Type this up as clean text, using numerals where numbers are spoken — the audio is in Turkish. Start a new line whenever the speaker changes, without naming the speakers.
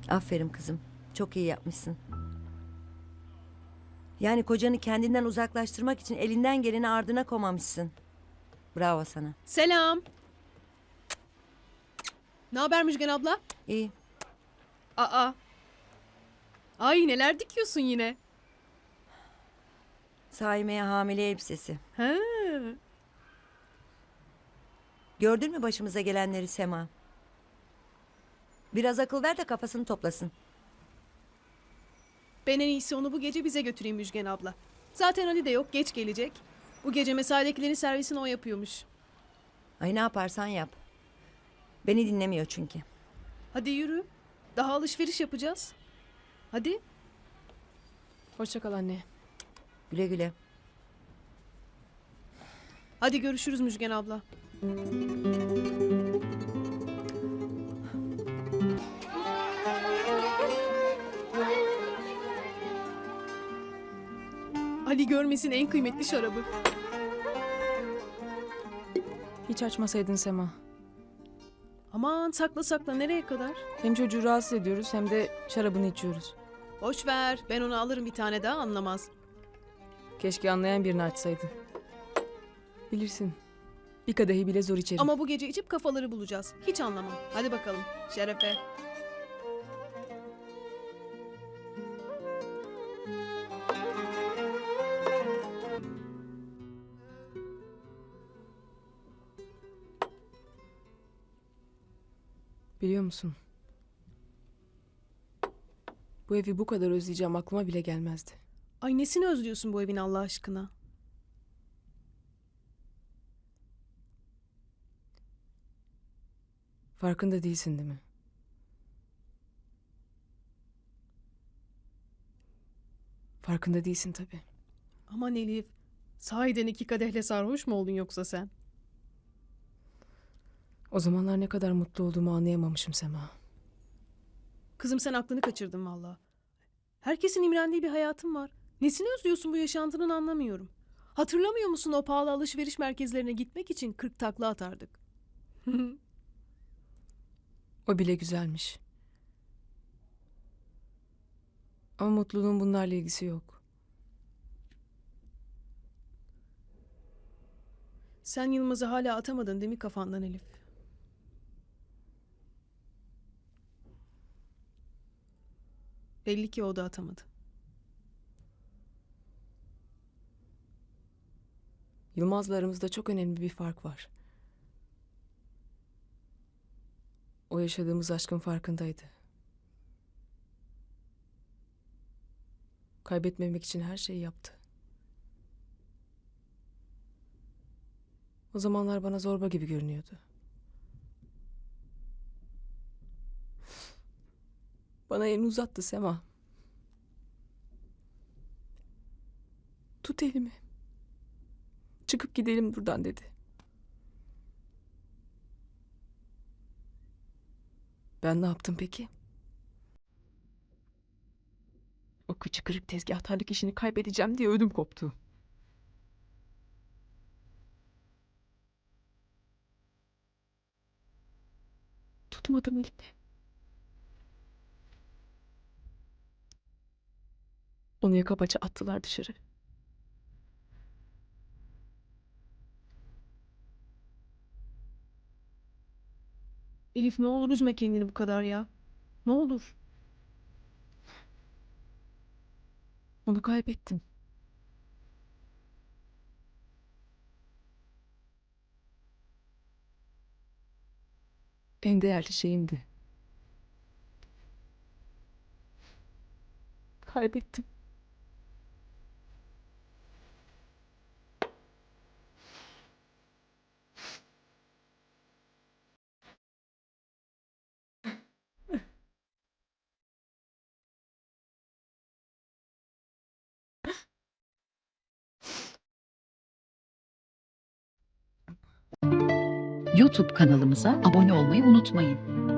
Aferin kızım. Çok iyi yapmışsın. Yani kocanı kendinden uzaklaştırmak için elinden geleni ardına komamışsın. Bravo sana.
Selam. Ne haber Müjgan abla?
İyi.
Aa. Ay neler dikiyorsun yine?
Saime'ye hamile elbisesi.
Ha.
Gördün mü başımıza gelenleri Sema? Biraz akıl ver de kafasını toplasın.
Ben en iyisi onu bu gece bize götüreyim Müjgan abla. Zaten Ali de yok, geç gelecek. Bu gece mesaidekilerin servisini o yapıyormuş.
Ay ne yaparsan yap. Beni dinlemiyor çünkü.
Hadi yürü. Daha alışveriş yapacağız. Hadi.
Hoşça kal anne.
Güle güle.
Hadi görüşürüz Müjgan abla. Ali görmesin en kıymetli şarabı.
Hiç açmasaydın Sema.
Aman sakla sakla nereye kadar?
Hem çocuğu rahatsız ediyoruz hem de şarabını içiyoruz.
Boş ver. Ben onu alırım bir tane daha anlamaz.
Keşke anlayan birini açsaydın. Bilirsin. Bir kadehi bile zor içerim.
Ama bu gece içip kafaları bulacağız. Hiç anlamam. Hadi bakalım. Şerefe.
Biliyor musun? Bu evi bu kadar özleyeceğim aklıma bile gelmezdi.
Ay nesini özlüyorsun bu evin Allah aşkına?
Farkında değilsin değil mi? Farkında değilsin tabii.
Aman Elif. Sahiden 2 kadehle sarhoş mu oldun yoksa sen?
O zamanlar ne kadar mutlu olduğumu anlayamamışım Sema.
Kızım sen aklını kaçırdın valla. Herkesin imrendiği bir hayatın var. Nesini özlüyorsun bu yaşantının anlamıyorum. Hatırlamıyor musun o pahalı alışveriş merkezlerine gitmek için 40 takla atardık.
O bile güzelmiş. Ama mutluluğun bunlarla ilgisi yok.
Sen Yılmaz'ı hala atamadın değil mi kafandan Elif? Belli ki o da atamadı.
Yılmaz'la aramızda çok önemli bir fark var. O yaşadığımız aşkın farkındaydı. Kaybetmemek için her şeyi yaptı. O zamanlar bana zorba gibi görünüyordu. Bana elini uzattı Sema. Tut elimi. Çıkıp gidelim buradan dedi. Ben ne yaptım peki? O kıçı kırık tezgahtarlık işini kaybedeceğim diye ödüm koptu. Tutmadım elini. Onu yaka paça attılar dışarı.
Elif ne olur üzme kendini bu kadar ya. Ne olur.
Onu kaybettim. En değerli şeyimdi. Kaybettim.
YouTube kanalımıza abone olmayı unutmayın.